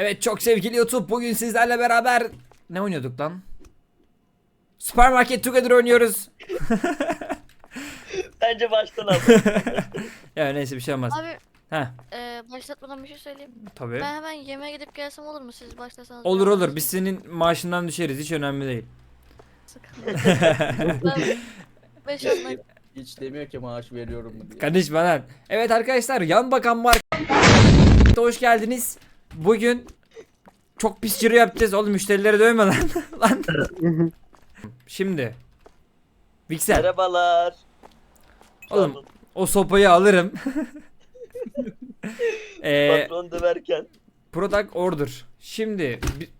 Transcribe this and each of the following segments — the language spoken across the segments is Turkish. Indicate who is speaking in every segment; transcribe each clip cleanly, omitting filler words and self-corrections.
Speaker 1: Evet çok sevgili YouTube, bugün sizlerle beraber ne oynuyorduk lan? Supermarket Together oynuyoruz.
Speaker 2: Bence baştan al.
Speaker 1: Ya neyse bir şey olmaz.
Speaker 3: Abi
Speaker 1: Heh,
Speaker 3: başlatmadan bir şey söyleyeyim.
Speaker 1: tabii.
Speaker 3: Ben hemen yemeğe gidip gelsem olur mu? Siz başlasanız.
Speaker 1: Olur
Speaker 3: biraz
Speaker 1: olur,
Speaker 3: daha
Speaker 1: biz senin maaşından düşeriz, hiç önemli değil.
Speaker 3: sıkıntı. Ben 5 10
Speaker 4: Hiç demiyor ki maaş veriyorum mu diye.
Speaker 1: Kardeşim lan. Evet arkadaşlar, yan bakan var. Hoş geldiniz. Bugün çok pis ciro yapacağız. Oğlum müşterileri dövme lan. Lan. Şimdi Vixen,
Speaker 2: Merhabalar.
Speaker 1: oğlum o sopayı alırım.
Speaker 2: Patron döverken.
Speaker 1: Product order. Şimdi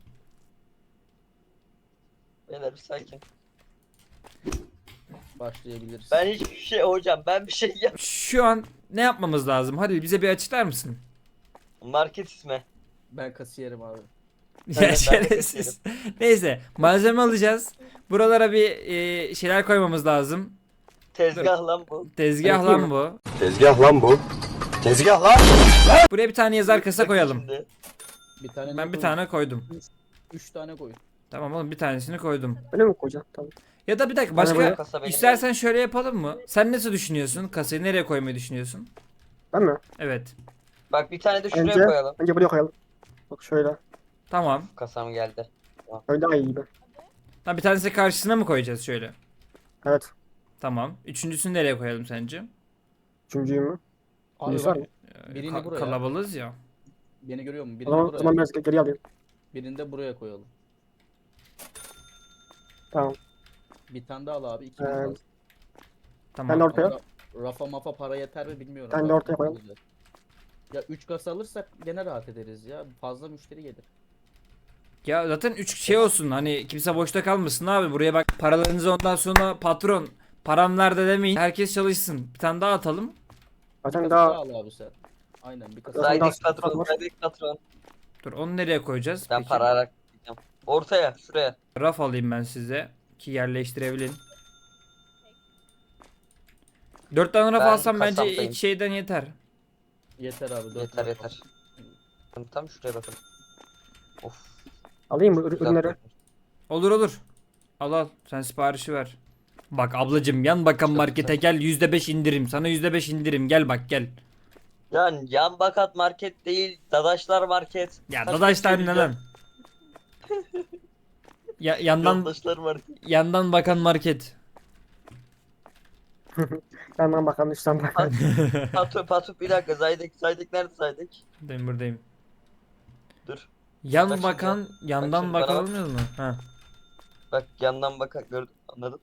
Speaker 2: Beyler bir sakin.
Speaker 4: Başlayabiliriz.
Speaker 2: Ben hiçbir şey hocam bir şey yap.
Speaker 1: şu an ne yapmamız lazım? Hadi bize bir açıklar mısın?
Speaker 2: Market ismi.
Speaker 4: Ben kasiyerim abi.
Speaker 1: Ya
Speaker 2: ben de
Speaker 1: şerefsiz. Neyse, malzeme alacağız. Buralara bir şeyler koymamız lazım.
Speaker 2: Tezgah lan bu.
Speaker 1: Tezgah lan bu.
Speaker 5: Tezgah lan bu. Tezgah lan.
Speaker 1: Buraya bir tane yazar kasa
Speaker 2: Bakın
Speaker 1: koyalım.
Speaker 2: şimdi.
Speaker 4: Bir tane
Speaker 1: Ben bir tane koydum.
Speaker 4: 3 tane koy.
Speaker 1: Tamam oğlum, bir tanesini koydum.
Speaker 6: Öyle mi koyacaksın? Tamam.
Speaker 1: Ya da bir dakika,
Speaker 2: Bana
Speaker 1: başka
Speaker 2: kasa benim.
Speaker 1: istersen şöyle yapalım mı? Sen nasıl düşünüyorsun? Kasayı nereye koymayı düşünüyorsun?
Speaker 6: Ben mi?
Speaker 1: Evet.
Speaker 2: Bak bir tane de şuraya
Speaker 6: Bence,
Speaker 2: koyalım.
Speaker 6: bence buraya koyalım. Bak şöyle.
Speaker 1: Tamam.
Speaker 2: Kasam geldi.
Speaker 6: Öyle daha iyi gibi.
Speaker 1: Ha, bir tanesi karşısına mı koyacağız şöyle?
Speaker 6: Evet.
Speaker 1: Tamam. Üçüncüsünü nereye koyalım sence?
Speaker 6: Üçüncüyü mü?
Speaker 4: Abi
Speaker 6: Neyse var
Speaker 4: bak,
Speaker 6: mı?
Speaker 4: birini buraya.
Speaker 1: Kalabalığız ya.
Speaker 4: Beni görüyor musun?
Speaker 6: O
Speaker 4: Birini
Speaker 6: zaman,
Speaker 4: buraya.
Speaker 6: o zaman biraz geri alayım.
Speaker 4: Birini de buraya koyalım.
Speaker 6: Tamam.
Speaker 4: Bir tane daha al abi. 2
Speaker 6: Ee,
Speaker 4: lazım.
Speaker 1: Tamam.
Speaker 6: Ben de ortaya.
Speaker 4: Ama Rafa mafa para yeter mi bilmiyorum.
Speaker 6: Ben de
Speaker 4: Bak,
Speaker 6: ortaya koyalım.
Speaker 4: Ya 3 kasa alırsak gene rahat ederiz ya. Fazla müşteri gelir.
Speaker 1: Ya zaten 3 şey olsun, hani kimse boşta kalmasın abi, buraya bak, paralarınızı ondan sonra patron param nerede demeyin, herkes çalışsın, bir tane daha atalım.
Speaker 6: Zaten
Speaker 4: Bir
Speaker 6: daha
Speaker 4: kasa al abi sen. Aynen bir kasa.
Speaker 6: Zaten
Speaker 2: Zaydik
Speaker 6: daha
Speaker 2: patron,
Speaker 6: var.
Speaker 2: Zaydik patron.
Speaker 1: Dur, onu nereye koyacağız?
Speaker 2: Ben
Speaker 1: Peki.
Speaker 2: para alarak gideceğim. Ortaya, şuraya.
Speaker 1: Raf alayım ben size ki yerleştirebilin. 4 tane raf
Speaker 2: Ben
Speaker 1: alsam bence
Speaker 2: kasamdayım.
Speaker 1: ilk şeyden yeter.
Speaker 4: Yeter abi. 4
Speaker 2: Yeter yeter. Tam şuraya bakın. Of.
Speaker 6: alayım mı
Speaker 2: güzel
Speaker 6: ürünleri?
Speaker 2: koymuş.
Speaker 1: Olur olur. Al al, sen siparişi ver. Bak ablacım, yan bakan
Speaker 2: Çok
Speaker 1: markete gel, %5 indirim, sana %5 indirim, gel bak gel.
Speaker 2: Yani yan bakat market değil, Dadaşlar market.
Speaker 1: Ya
Speaker 2: Kaç
Speaker 1: dadaşlar ne
Speaker 2: kişi
Speaker 1: lan? Ya, yandan
Speaker 2: Dadaşlar market.
Speaker 1: yandan bakan market.
Speaker 6: Hemen bakalım üstten bakalım.
Speaker 2: Patu bir dakika, Zaydik nerede Zaydik?
Speaker 1: Buradayım buradayım.
Speaker 2: Dur.
Speaker 1: Yan
Speaker 2: Bak şimdi.
Speaker 1: bakan, yandan
Speaker 2: şimdi bana bak.
Speaker 1: bakalım mu? Ha.
Speaker 2: Bak yandan bak gördüm, anladın?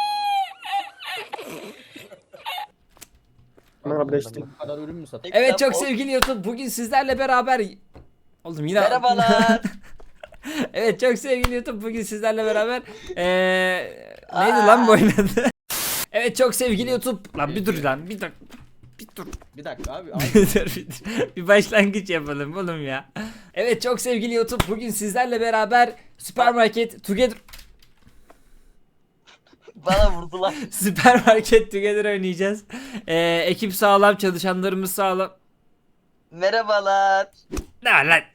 Speaker 6: Hemen bir işte.
Speaker 4: Bu kadar ürün mü satın?
Speaker 1: Evet çok
Speaker 2: Kitap,
Speaker 1: sevgili YouTube, bugün sizlerle beraber oğlum yine
Speaker 2: Merhabalar.
Speaker 1: Evet çok sevgili YouTube, bugün sizlerle beraber neydi lan bu oyun adı? Evet çok sevgili YouTube, lan bir dur lan, bir dur. Bir dur.
Speaker 4: Bir dakika abi.
Speaker 1: Bir dur, bir dur. Bir başlangıç yapalım oğlum ya. Evet çok sevgili YouTube, bugün sizlerle beraber Supermarket Together
Speaker 2: Bana vurdular.
Speaker 1: Supermarket Together oynayacağız. Ekip sağlam, çalışanlarımız sağlam.
Speaker 2: Merhabalar.
Speaker 1: Ne var lan?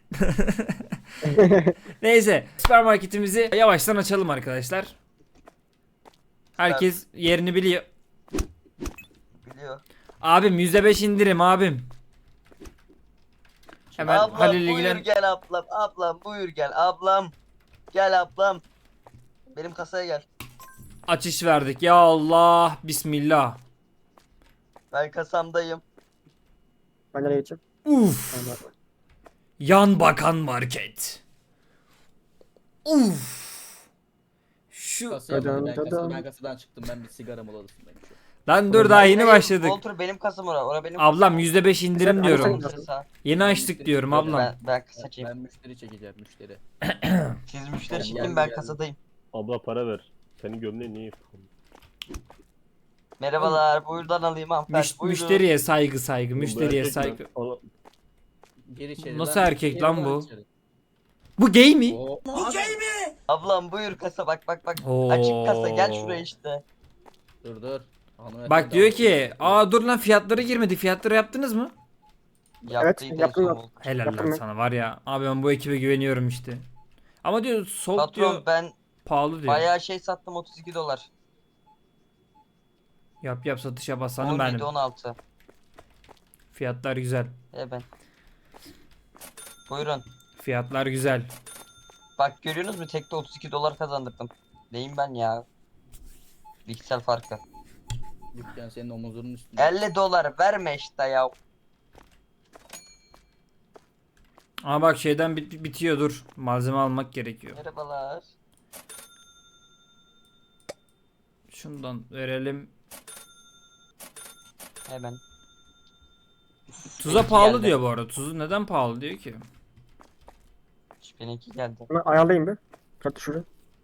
Speaker 1: Neyse, süpermarketimizi yavaştan açalım arkadaşlar. Herkes yerini biliyor.
Speaker 2: Biliyor.
Speaker 1: Abim %5 indirim abim. Hemen
Speaker 2: Ablam
Speaker 1: Halil
Speaker 2: buyur
Speaker 1: ilgilen.
Speaker 2: gel ablam. Ablam buyur gel ablam. Gel ablam. Benim kasaya gel.
Speaker 1: Açış verdik. Ya Allah, bismillah.
Speaker 2: Ben kasamdayım.
Speaker 6: Ben nereye gideceğim?
Speaker 1: Uf.
Speaker 6: Tamam.
Speaker 1: Yan bakan market. Uf. Şu
Speaker 4: Kasaya
Speaker 6: Dadan,
Speaker 4: ben,
Speaker 6: dadan.
Speaker 4: ben kasadan çıktım. Ben bir sigara moladasındayım şu an.
Speaker 1: lan dur, daha yeni
Speaker 2: Hayır,
Speaker 1: başladık.
Speaker 2: Voltur benim kasam ora benim
Speaker 1: Ablam %5 indirim
Speaker 6: Sen-
Speaker 1: diyorum.
Speaker 6: Sen-
Speaker 1: Yeni açtık diyorum ablam.
Speaker 2: Ben kasacıyım.
Speaker 4: Ben müşteri çekeceğim müşteri.
Speaker 2: Siz müşteri
Speaker 4: Geldi,
Speaker 2: çekin ben
Speaker 4: geldi.
Speaker 2: kasadayım.
Speaker 5: Abla para ver. Senin gömleğin niye yıkadın?
Speaker 2: Merhabalar buyurdan alayım hanımefendi. Buyurun.
Speaker 1: Müşteriye saygı, müşteriye
Speaker 5: Erkek
Speaker 1: saygı.
Speaker 5: mi? Oğlum,
Speaker 4: Gir içeri.
Speaker 1: Nasıl
Speaker 4: lan.
Speaker 1: erkek
Speaker 4: Gir
Speaker 1: lan bu?
Speaker 4: içeri.
Speaker 1: Bu gay mi?
Speaker 4: Oo.
Speaker 2: Ablam buyur kasa bak.
Speaker 1: Oo.
Speaker 2: Açık kasa gel şuraya işte.
Speaker 4: Dur dur. Hanımefendi
Speaker 1: Bak diyor
Speaker 4: aldı.
Speaker 1: ki, aa dur lan, fiyatları girmedi. Fiyatları yaptınız mı?
Speaker 2: Yaptıydı
Speaker 6: yaptım,
Speaker 2: en son
Speaker 6: yaptım.
Speaker 2: Volkan.
Speaker 1: Helal
Speaker 6: Yaptım
Speaker 1: lan
Speaker 6: ben.
Speaker 1: sana var ya. Abi ben bu ekibe güveniyorum işte. Ama diyor soğuk
Speaker 2: Patron
Speaker 1: diyor
Speaker 2: ben
Speaker 1: pahalı diyor.
Speaker 2: bayağı şey sattım, 32 dolar.
Speaker 1: Yap yap satışa basanım
Speaker 2: 17
Speaker 1: benim.
Speaker 2: 16.
Speaker 1: Fiyatlar güzel.
Speaker 2: Ben. Buyurun.
Speaker 1: Fiyatlar güzel.
Speaker 2: Bak görüyorsunuz mu, tekte 32 dolar kazandırdım. Neyim ben ya? Piksel farkı.
Speaker 4: Dükkan senin omuzunun üstünde.
Speaker 2: 50 dolar verme işte ya.
Speaker 1: Ama bak şeyden bitiyor dur. Malzeme almak gerekiyor.
Speaker 2: Merhabalar.
Speaker 1: Şundan verelim.
Speaker 2: Hemen.
Speaker 1: Tuza
Speaker 2: Benimki
Speaker 1: pahalı
Speaker 2: geldi.
Speaker 1: diyor bu arada. Tuzu neden pahalı diyor ki?
Speaker 2: Benimki geldi.
Speaker 6: Bunu ayarlayayım bir. Fiyat düşürün.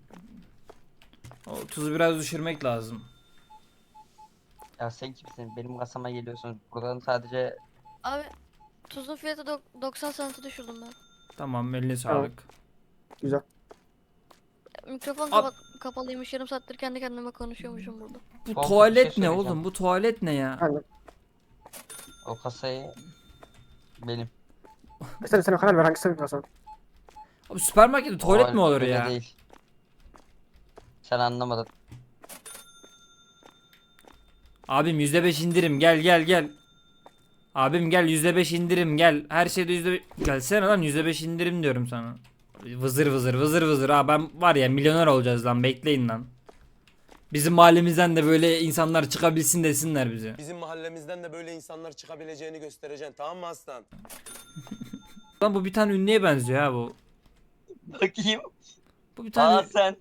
Speaker 1: O tuzu biraz düşürmek lazım.
Speaker 2: Ya sen kimsin? Benim kasama geliyorsun. Buradan sadece
Speaker 3: Abi tuzun fiyatı 90 senti düşürdüm ben.
Speaker 1: Tamam eline
Speaker 6: Tamam.
Speaker 1: sağlık.
Speaker 6: Güzel.
Speaker 3: Mikrofon
Speaker 1: Ab-
Speaker 3: kapalıymış, yarım saattir kendi kendime konuşuyormuşum burada.
Speaker 1: Bu
Speaker 2: Volkan, bir
Speaker 1: tuvalet
Speaker 2: şey
Speaker 1: ne
Speaker 2: söyleyeceğim.
Speaker 1: oğlum? Bu tuvalet ne ya?
Speaker 6: Aynen.
Speaker 2: o kasayı benim.
Speaker 6: Sen karar ver hangisini yapıyorsan.
Speaker 1: Abi süpermarkette tuvalet
Speaker 2: O
Speaker 1: mi olur
Speaker 2: öyle
Speaker 1: ya?
Speaker 2: Değil. Sen anlamadın.
Speaker 1: Abim %5 indirim gel gel gel. Abim gel %5 indirim gel. Her şeyde %5 gelsene lan %5 indirim diyorum sana. Vızır vızır vızır vızır. Ha ben var ya milyoner olacağız lan bekleyin lan. Bizim mahallemizden de böyle insanlar çıkabilsin desinler bize.
Speaker 7: Bizim mahallemizden de böyle insanlar çıkabileceğini göstereceksin, tamam mı aslan?
Speaker 1: Lan bu bir tane ünlüye benziyor ha bu.
Speaker 2: Bakayım.
Speaker 1: Bu bir tane
Speaker 2: Sen.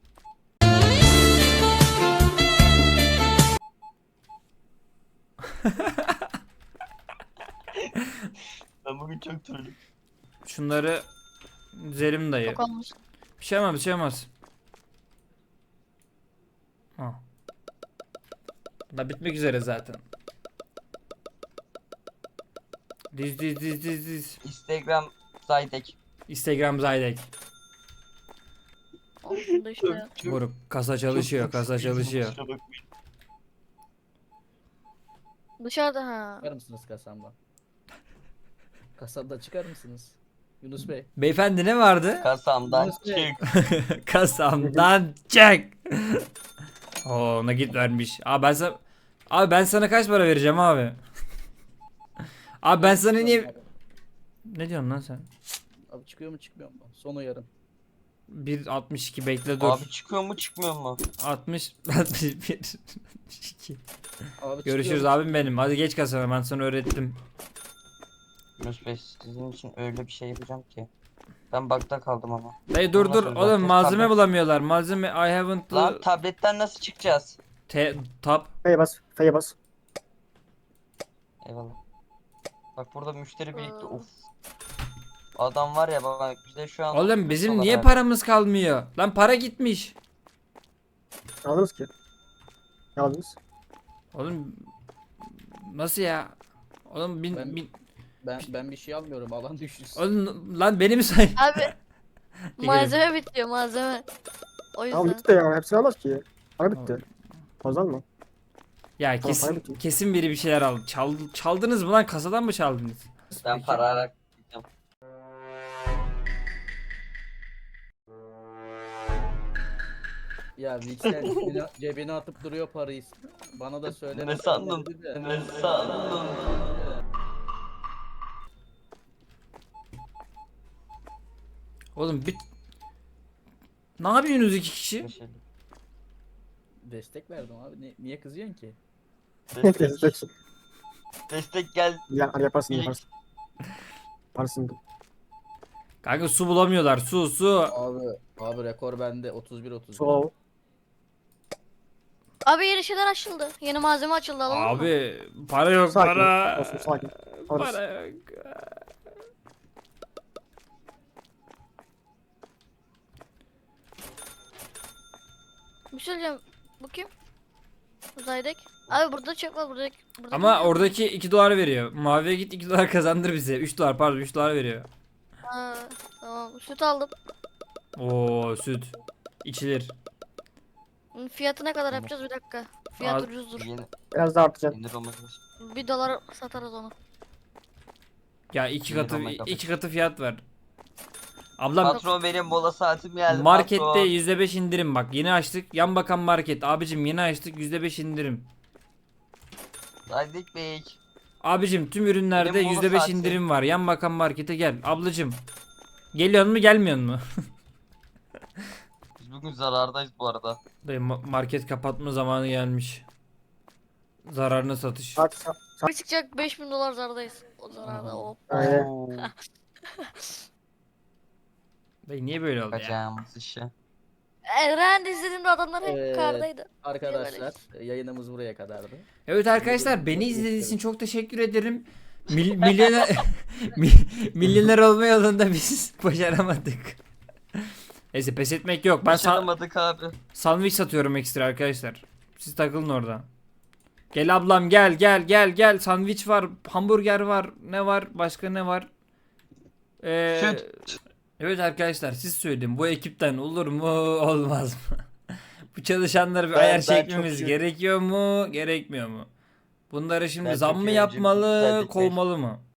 Speaker 2: Ben bugün çok trollüm.
Speaker 1: şunları Zelim dayı.
Speaker 3: Çok olmuş.
Speaker 1: Bir şey olmaz bir şey olmaz. Ha. Da bitmek üzere zaten. Diz.
Speaker 2: Instagram Zaydek.
Speaker 1: Instagram Zaydek.
Speaker 3: Olsun da işte ya.
Speaker 1: Moruk kasa çalışıyor kasa çalışıyor.
Speaker 3: Dışarıda ha.
Speaker 4: Çıkar mısınız kasamdan? Kasamda çıkar mısınız? Yunus Bey.
Speaker 1: Beyefendi ne vardı?
Speaker 2: Kasamdan
Speaker 4: Yunus Bey.
Speaker 2: çık.
Speaker 1: Kasamdan çek. Oo nakit vermiş. Abi ben sana kaç para vereceğim abi? Abi ben sana niye ne diyorsun lan sen?
Speaker 4: Abi çıkıyor mu çıkmıyor mu? Son uyarım.
Speaker 1: 1.62 bekle dur.
Speaker 2: Abi çıkıyor mu çıkmıyor mu?
Speaker 1: 61 62.
Speaker 4: Abi
Speaker 1: Görüşürüz
Speaker 4: çıkıyor mu?
Speaker 1: abim benim. Hadi geç kasana ben sana öğrettim.
Speaker 2: Yunus Bey, sizin için öyle bir şey yapacağım ki. Ben bug'da kaldım ama.
Speaker 1: Dayı dur dur
Speaker 2: Olmaz,
Speaker 1: oğlum
Speaker 2: olmaz.
Speaker 1: malzeme
Speaker 2: Tablet.
Speaker 1: bulamıyorlar. Malzeme I haven't
Speaker 2: Lan tabletten nasıl çıkacağız?
Speaker 1: tab.
Speaker 6: F'ye bas. F'ye bas.
Speaker 2: Eyvallah. Bak burada müşteri birlikte.
Speaker 3: Aa.
Speaker 2: Of. Adam var ya bak bize şu an.
Speaker 1: Oğlum bizim
Speaker 2: dolar
Speaker 1: niye
Speaker 2: verdi.
Speaker 1: paramız kalmıyor? Lan para gitmiş.
Speaker 6: Ne aldınız ki? Ne aldınız?
Speaker 1: Oğlum nasıl ya? Oğlum
Speaker 4: Ben bir şey almıyorum. Alan düşürsün.
Speaker 1: oğlum lan beni mi say?
Speaker 3: Abi malzeme bitiyor malzeme. O
Speaker 6: Tamam
Speaker 3: yüzden.
Speaker 6: bitti de ya. Hepsini almaz ki. Para bitti. Fazla mı?
Speaker 1: Ya
Speaker 6: Tamam,
Speaker 1: kesin
Speaker 6: para bitiyor.
Speaker 1: kesin biri bir şeyler aldı. Çaldınız mı lan? Kasadan mı çaldınız?
Speaker 2: Ben para alarak gideceğim.
Speaker 4: Ya Vixen cebine atıp duruyor parayı. Bana da söyle.
Speaker 2: Ne sandın? Ne sandın?
Speaker 1: Oğlum ne yapıyorsunuz iki kişi?
Speaker 4: Destek verdim abi. Niye kızıyorsun ki?
Speaker 2: Destek, destek gel.
Speaker 6: Ya hadi yaparsın
Speaker 2: Bilik.
Speaker 6: yaparsın. Yaparsın.
Speaker 1: Kanka su bulamıyorlar. Su.
Speaker 4: Abi rekor bende 31-30.
Speaker 6: So.
Speaker 3: Abi yeni şeyler açıldı. Yeni malzeme açıldı, alalım mı?
Speaker 1: Abi para yok
Speaker 6: Sakin.
Speaker 1: para.
Speaker 6: Olsun sakin. Alırız.
Speaker 1: Para yok.
Speaker 3: Bir şey söyleyeceğim. Bu kim? Zaydek. Abi burada çek var burada.
Speaker 1: Ama oradaki 2 dolar veriyor. Maviye git 2 dolar kazandır bize. 3 dolar pardon 3 dolar veriyor.
Speaker 3: Ha, tamam. Süt aldım.
Speaker 1: Oo süt. İçilir.
Speaker 3: Fiyatı ne kadar yapacağız, bir dakika. Fiyat
Speaker 1: Az-
Speaker 3: ucuzdur.
Speaker 2: Yeni,
Speaker 6: Biraz daha artacak.
Speaker 2: yeni olması.
Speaker 3: $1 satarız onu.
Speaker 1: Ya
Speaker 2: Milyonla kapatın.
Speaker 1: iki katı fiyat var. Ablam
Speaker 2: Patron benim mola saatim geldi.
Speaker 1: markette
Speaker 2: patron.
Speaker 1: %5 indirim bak. Yeni açtık. Yan bakan market. Abicim yeni açtık %5 indirim.
Speaker 2: Zaydik Bey.
Speaker 1: Abicim tüm ürünlerde
Speaker 2: Benim mola
Speaker 1: %5
Speaker 2: saati.
Speaker 1: indirim var. Yan bakan markete gel. Ablacım. Geliyor mu gelmiyor mu?
Speaker 2: Biz bugün zarardayız bu arada.
Speaker 1: Dayı market kapatma zamanı gelmiş. Zararına satış.
Speaker 6: Saat
Speaker 3: Bir çıkacak 5000 dolar zardayız. O zararda o.
Speaker 6: Aynen.
Speaker 2: Oo,
Speaker 1: Dayı niye böyle oldu ya?
Speaker 2: Kaçacağımız işe.
Speaker 3: Eren izlediğimde adamlar hep
Speaker 4: Evet.
Speaker 3: kardaydı.
Speaker 4: Arkadaşlar yayınımız buraya kadardı.
Speaker 1: Evet arkadaşlar beni izlediğiniz için çok teşekkür ederim. Milyoner milyoner olma yolunda biz başaramadık. Neyse pes etmek yok. Ben
Speaker 2: Başaramadık abi.
Speaker 1: sandviç satıyorum ekstra arkadaşlar. Siz takılın orada. Gel ablam gel. Sandviç var, hamburger var. Ne var? Başka ne var?
Speaker 2: Süt.
Speaker 1: Evet arkadaşlar siz söyleyin. Bu ekipten olur mu olmaz mı? Bu çalışanları bir
Speaker 2: Ben-
Speaker 1: ayar
Speaker 2: ben
Speaker 1: çekmemiz
Speaker 2: çok-
Speaker 1: gerekiyor mu gerekmiyor mu? Bunları şimdi
Speaker 2: Ben
Speaker 1: zam
Speaker 2: çok
Speaker 1: mı
Speaker 2: iyi
Speaker 1: yapmalı
Speaker 2: önceki-
Speaker 1: kovmalı mı?